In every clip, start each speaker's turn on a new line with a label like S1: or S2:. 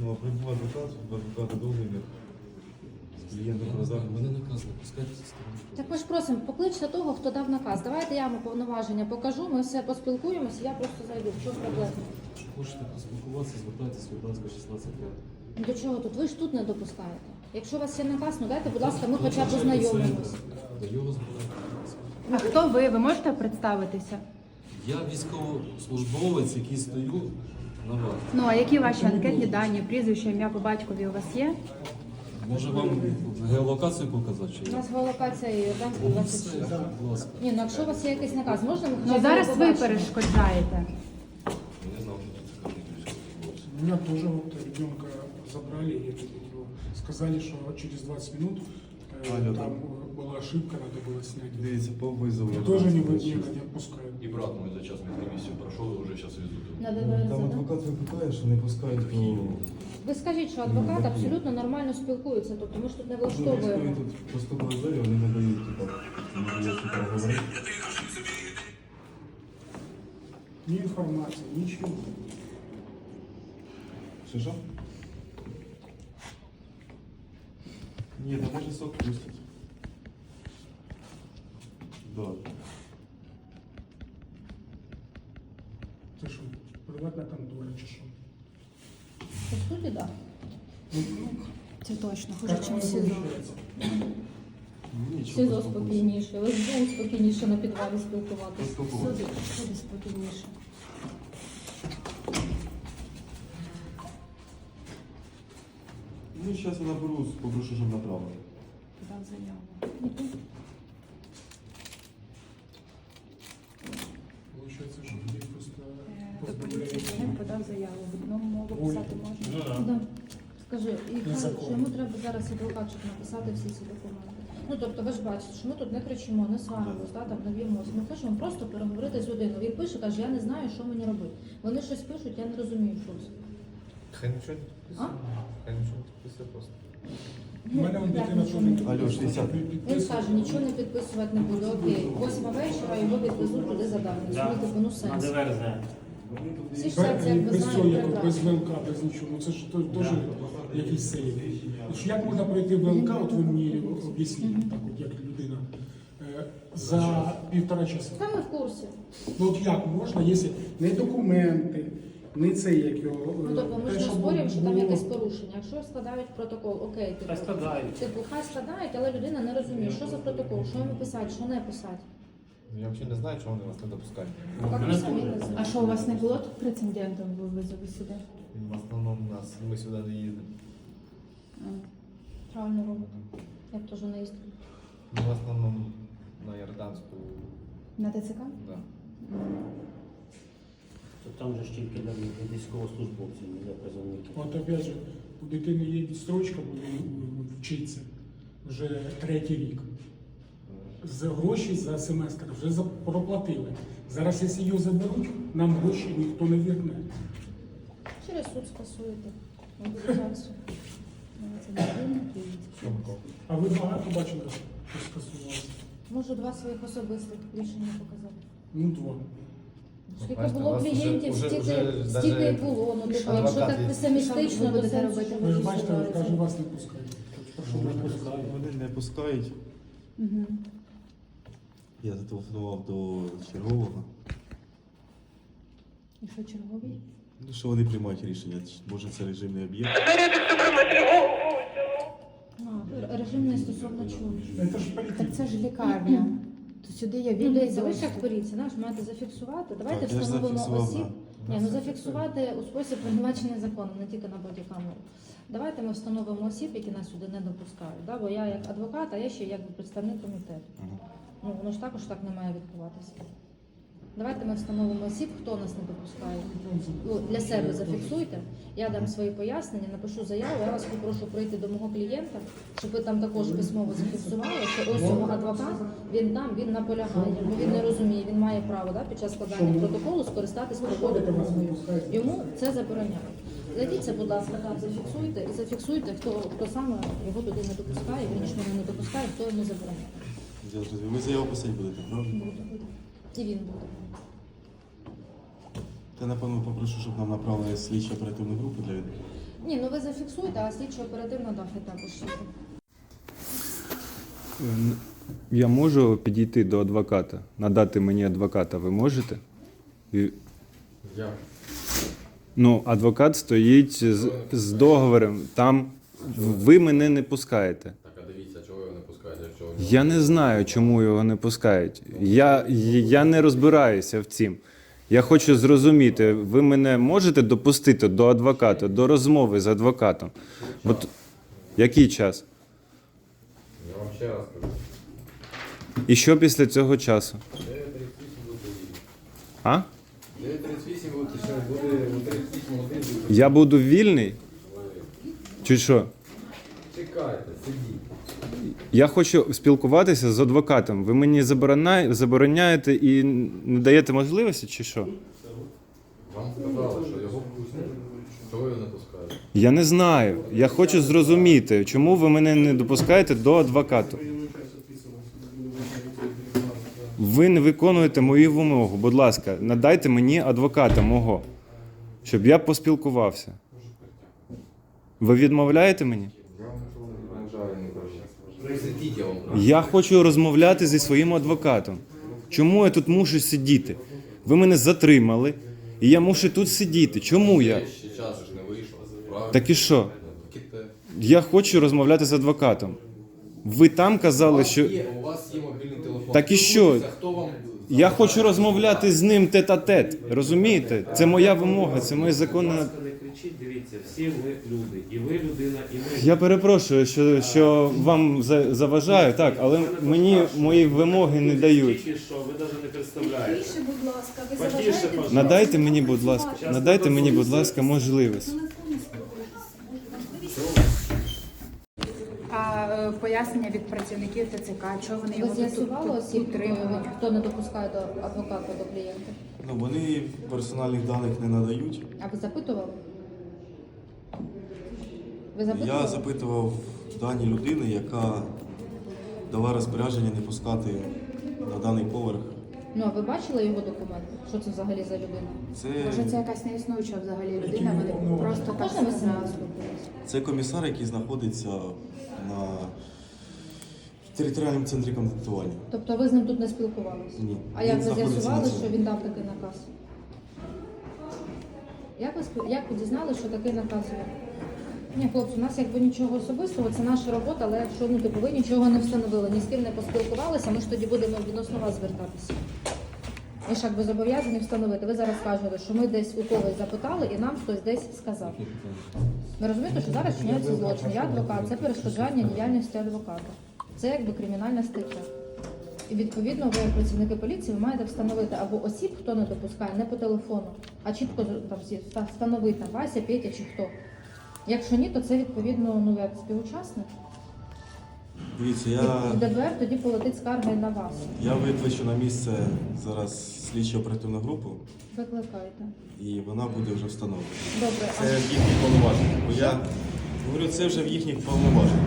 S1: Ну, а прибув адвокат, в адвоката договір з клієнтом продав.
S2: Мене наказ не пускайте зі сторони.
S3: Так ми ж просимо, покличте того, хто дав наказ. Давайте я вам повноваження покажу, ми все поспілкуємося, я просто зайду. В чому проблема?
S2: Хочете поспілкуватися, звертайтеся, будь ласка, 16 років.
S3: Ну, до чого тут? Ви ж тут не допускаєте. Якщо у вас є наказ, ну дайте, будь ласка, ми хоча б познайомимось.
S2: До його збирати.
S4: А хто ви? Ви можете представитися?
S2: Я військовослужбовець, який стою на вас.
S4: Ну а які ваші анкетні дані, прізвище, ім'я по батькові у вас є?
S2: Може вам геолокацію показати? Чи
S3: У
S2: ні?
S3: нас геолокація Йорданська 26.
S2: Будь ласка.
S3: Ні, ну якщо у вас є якийсь наказ, можна ми хоча
S4: Ну
S3: б
S4: зараз
S3: його
S4: ви
S3: побачимо?
S4: перешкоджаєте.
S2: Я знав, що це такий військовослужбовець.
S5: Меня тоже вот ребенка забрали, и сказали, что через 20 минут
S1: Алло,
S5: там была ошибка, надо было снять.
S1: Дивіться, по визову.
S5: И тоже не отпускают.
S6: И брат мой за час медкомиссию прошел и уже сейчас везут его.
S3: На
S1: Там
S3: ДВРЗ, да?
S1: адвокат викликає, що не пускають до...
S3: Ви скажіть, що адвокат абсолютно нормально спілкується, тобто ми ж тут не влаштовуємо.
S1: Тут поступили залі, вони не дають, типа, не говорити.
S5: Ни информации, ничего.
S1: Що? Ні, там може сок пустять. Да.
S5: Ты что, приватная контора, чи что?
S3: По суті, так.
S5: Ну,
S4: Це точно,
S5: как оно получается?
S1: Нічого,
S3: СІЗО
S1: просто
S3: спокійніше, СБУ спокійніше на підвалі спілкуватися.
S1: Поспілкуватися.
S4: Сюди спокійніше.
S1: Ну, зараз я наберу, попрошу, щоб направили.
S4: Подав заяву.
S5: Получается, что людей просто
S4: До поліції
S5: позбавляют.
S4: він подав заяву. В одному мову писати можна.
S3: Да. Скажи, і кажуть,
S5: Незаконно.
S3: що йому треба зараз адвокат, щоб написати всі ці документи. Ну тобто ви ж бачите, що ми тут не кричимо, не сваримось, да, там не б'ємося. Ми хочемо просто переговорити з людиною. Він пише, каже, я не знаю, що мені робити. Вони щось пишуть, я не розумію, що це.
S7: Хай нічого не
S3: А?
S7: підписує. Хай нічого не підписує просто.
S5: У мене
S3: Ну,
S5: он
S3: як
S5: дитина
S3: нічого
S5: теж
S3: не
S5: не
S1: Алло, 60.
S3: Він скаже, нічого не підписувати не буде. Окей, 8 вечора його відвезуть туди за давністю. Ну, типу, ну сенс. Всі ж це якби
S5: Без цього,
S3: знають
S5: як без
S3: прекрасно.
S5: ВЛК, без нічого. Ну це ж теж якийсь сейф. Як можна пройти ВЛК, от ви мені об'ясніть, так от як людина, за 1,5 часа.
S3: Та ми в курсі.
S5: Ну от як можна, якщо не документи, не це як його.
S3: Ну, тобто ми ж
S5: те,
S3: не
S5: що
S3: спорюємо, що там
S5: було.
S3: якесь порушення. Якщо складають протокол, окей, типу, хай складають, але людина не розуміє, що за протокол, що йому писати, що не писати.
S7: Я взагалі не знаю, чого вони вас не допускають.
S3: Так ми самі не
S4: А
S3: знаємо.
S4: що у вас не було тут прецедентів ви визови сюди?
S7: В основному ми сюди не їздимо.
S3: Правильно робити. Я б теж не їздила.
S7: Ми в основному на Ярданську,
S4: На ТЦК?
S7: да.
S8: То там же ж тільки для військовослужбовців, не для призовників.
S5: От опять же, у дитини є відстрочка, буде вчиться вже 3-й рік. За гроші за семестр вже проплатили. Зараз, якщо її заберуть, нам гроші ніхто не верне.
S3: Через суд скасуєте мобілізацію.
S5: А ви багато бачили, що скасувалося?
S3: Можу 2 своїх особистих рішення показати.
S5: Ну, 2.
S3: Скільки
S7: бачите, у
S3: було
S7: вас
S3: клієнтів,
S7: уже
S3: стільки і
S7: даже
S3: було. Ну, типу, якщо
S7: адвокат
S3: так
S7: є.
S3: песимістично,
S4: Що ви
S3: то
S4: будете
S3: це
S4: робити?
S5: Ви ж бачите, каже, вас не пускають. Так що ви пускаєте?
S1: Вони не пускають.
S4: Угу.
S1: Я зателефонував до чергового.
S4: І що черговий?
S1: Ну, що вони приймають рішення, може це режимний об'єкт.
S3: Режимний стосовно чого?
S5: Це ж
S4: Так
S5: політика.
S4: це ж лікарня. То сюди є
S3: Ну,
S4: вільний
S3: дивіться, ви ж
S4: доступ.
S3: як поліція, знаєш, маєте зафіксувати. Давайте
S1: Так, я ж
S3: встановимо
S1: зафіксував,
S3: осіб.
S1: да.
S3: Ні, ну зафіксувати у спосіб передбачений законом, не тільки на бодікамеру. Давайте ми встановимо осіб, які нас сюди не допускають. Да? Бо я як адвокат, а я ще як представник комітету. Ну, воно ж також так не має відбуватися. Давайте ми встановимо осіб, хто нас не допускає. Ну, для себе зафіксуйте. Я дам свої пояснення, напишу заяву. Я вас попрошу прийти до мого клієнта, щоб ви там також письмово зафіксували, що ось його адвокат, він там, він наполягає. Ну, він не розуміє, він має право да, під час складання протоколу скористатись правовою допомогою. Йому це забороняє. Зайдіться, будь ласка, там зафіксуйте і зафіксуйте, хто саме його туди не допускає, він нічого не допускає, хто йому забороняє.
S1: Ви заяву писати будете, правда?
S3: Буде. І він буде.
S1: Я, напевно, попрошу, щоб нам направили слідчу оперативну групу для
S3: Ні, ну ви зафіксуйте, а слідчо оперативно дати також.
S1: Я можу підійти до адвоката, надати мені адвоката, ви можете?
S7: Як?
S1: Ну, адвокат стоїть з договором, там ви мене не пускаєте.
S6: Так, а дивіться, чого його не пускають, якщо ви
S1: Я не знаю, чому його не пускають. Я не розбираюся в цім. Я хочу зрозуміти, ви мене можете допустити до адвоката, до розмови з адвокатом? От який час?
S7: Я вам ще раз кажу.
S1: І що після цього часу?
S7: 9:38 буде вільний.
S1: А?
S7: 9:38 буде, ще буде 38 годин.
S1: Я буду вільний? Чи що?
S7: Чекайте, сидіть.
S1: Я хочу спілкуватися з адвокатом. Ви мені забороняєте і не даєте можливості, чи що?
S6: вам сказали, що його пустять. Чого його не пускають?
S1: Я не знаю. Я хочу зрозуміти, чому ви мене не допускаєте до адвоката. Ви не виконуєте мою вимогу. Будь ласка, надайте мені адвоката мого, щоб я поспілкувався. Ви відмовляєте мені?
S6: Я вам нічого не вважаю, не кажу. Сидіть, я вам кажу.
S1: Я хочу розмовляти зі своїм адвокатом. Чому я тут мушу сидіти? Ви мене затримали, і я мушу тут сидіти. Чому я?
S6: Ще час ж не вийшов. Правильно?
S1: Так і що?
S6: Ките.
S1: Я хочу розмовляти з адвокатом. Ви там казали, що
S6: У вас є мобільний телефон.
S1: Так і що?
S6: Хто вам...
S1: я хочу розмовляти з ним тет-а-тет. Розумієте? Це моя вимога, це моє законне.
S9: Будь ласка, не кричіть, дивіться, всі ми люди. І ви людина, і ми.
S1: Я перепрошую, що вам заважаю, так, але мені мої вимоги не дають.
S9: Тільки що, ви навіть не представляєте.
S3: Тише, будь ласка, ви
S9: Потише,
S3: заважаєте?
S9: пожалуйста.
S1: Надайте мені, будь ласка, надайте мені, будь ласка, можливість.
S4: А пояснення від працівників ТЦК, чого вони
S3: Ви
S4: його
S3: з'ясували осіб,
S4: утримують?
S3: хто не допускає до адвоката, до клієнта?
S10: Ну, вони персональних даних не надають.
S3: А ви запитували? Ви
S10: Я
S3: запитували?
S10: запитував дані людини, яка дала розпорядження не пускати на даний поверх.
S3: Ну, а ви бачили його документи? Що це взагалі за людина?
S4: Може, це якась неіснуюча взагалі людина, вони просто так
S3: Можна ви з ним
S4: сказали.
S3: поспілкуватися?
S10: Це комісар, який знаходиться на територіальному центрі комплектування.
S3: Тобто ви з ним тут не спілкувалися?
S10: Ні.
S3: А як
S10: Він
S3: ви
S10: знаходиться
S3: з'ясували,
S10: на цьому.
S3: що він дав такий наказ? Як ви дізналися, що такий наказ є? Ні, хлопці, у нас якби нічого особистого, це наша робота, але якщо ви нічого не встановили, ні з ким не поспілкувалися, ми ж тоді будемо відносно вас звертатися. Ми ж якби зобов'язані встановити. Ви зараз кажете, що ми десь у когось запитали і нам хтось десь сказав. Ви розумієте, що зараз чиняється злочин. Я адвокат, це перешкоджання діяльності адвоката. Це якби кримінальна стаття. І відповідно ви, як працівники поліції, ви маєте встановити або осіб, хто не допускає, не по телефону, а чітко там встановити там Вася, Петя чи хто. Якщо ні, то це відповідно ну як співучасник.
S10: Дивіться,
S3: І ДБР тоді полетить скарга і на вас.
S10: я викличу на місце зараз слідчу оперативну групу,
S3: Викликайте.
S10: і вона буде вже встановлена.
S3: Добре,
S10: Це в їхніх повноваженнях. Бо я говорю, це вже в їхніх повноваженнях.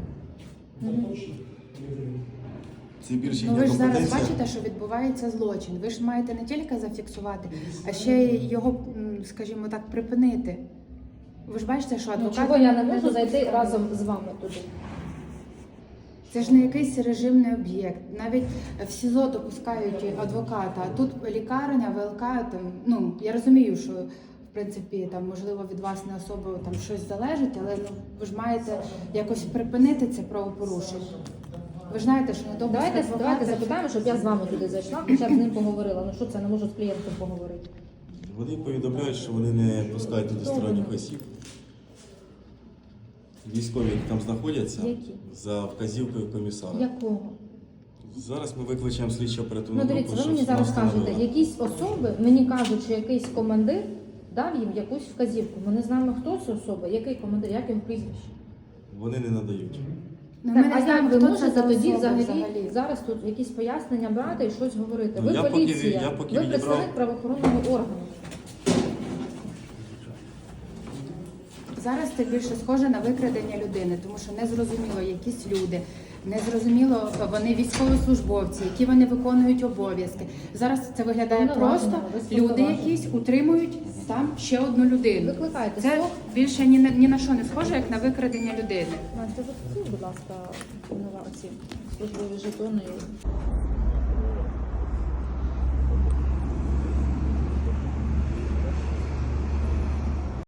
S10: Це більше
S4: Ну
S10: їхня
S4: ви ж зараз
S10: компетенція.
S4: бачите, що відбувається злочин. Ви ж маєте не тільки зафіксувати, а ще й його, скажімо так, припинити. Ви ж бачите, що
S3: ну,
S4: адвокат...
S3: чого я не можу зайти разом з вами туди?
S4: Це ж не якийсь режимний об'єкт. Навіть в СІЗО допускають адвоката, а тут лікарня, ВЛК, там, ну, я розумію, що в принципі там можливо від вас не особо там щось залежить, але ну ви ж маєте якось припинити це правопорушення. Ви ж знаєте, що не допуск
S3: Давайте запитаємо, щоб я з вами туди зайшла, хоча б з ним поговорила. Ну що це, не можу з клієнтом поговорити.
S10: Вони повідомляють, що вони не пускають туди сторонніх осіб. Військові, які там знаходяться,
S3: Які?
S10: за вказівкою комісара.
S3: Якого?
S10: Зараз ми викличемо слідчу оперативну
S3: Ну
S10: групу,
S3: дивіться, ви
S10: щоб
S3: мені зараз
S10: вона
S3: кажете,
S10: встановила.
S3: якісь особи, мені кажуть, що якийсь командир дав їм якусь вказівку. Ми не знаємо, хто це особа, який командир, як його прізвище.
S10: Вони не надають.
S4: Ну,
S3: Так,
S4: ми не
S3: а
S4: знаємо,
S3: як ви
S4: хто це
S3: можете
S4: за
S3: тоді
S4: особа
S3: взагалі зараз тут якісь пояснення брати і щось говорити?
S10: Ну,
S3: Ви
S10: я поки
S3: поліція,
S10: я поки
S3: ви
S10: відібрав-
S3: представник правоохоронного органу.
S4: Зараз це більше схоже на викрадення людини, тому що не зрозуміло, якісь люди Незрозуміло, вони військовослужбовці, які вони виконують обов'язки. Зараз це виглядає
S3: Повноваження,
S4: просто.
S3: ви
S4: Люди
S3: повноваження.
S4: якісь утримують там ще одну людину.
S3: Викликайте
S4: Це
S3: СОК.
S4: більше ні на що не схоже, як на викрадення людини.
S3: Настя, зафіксуй, будь ласка, ці службові жетони.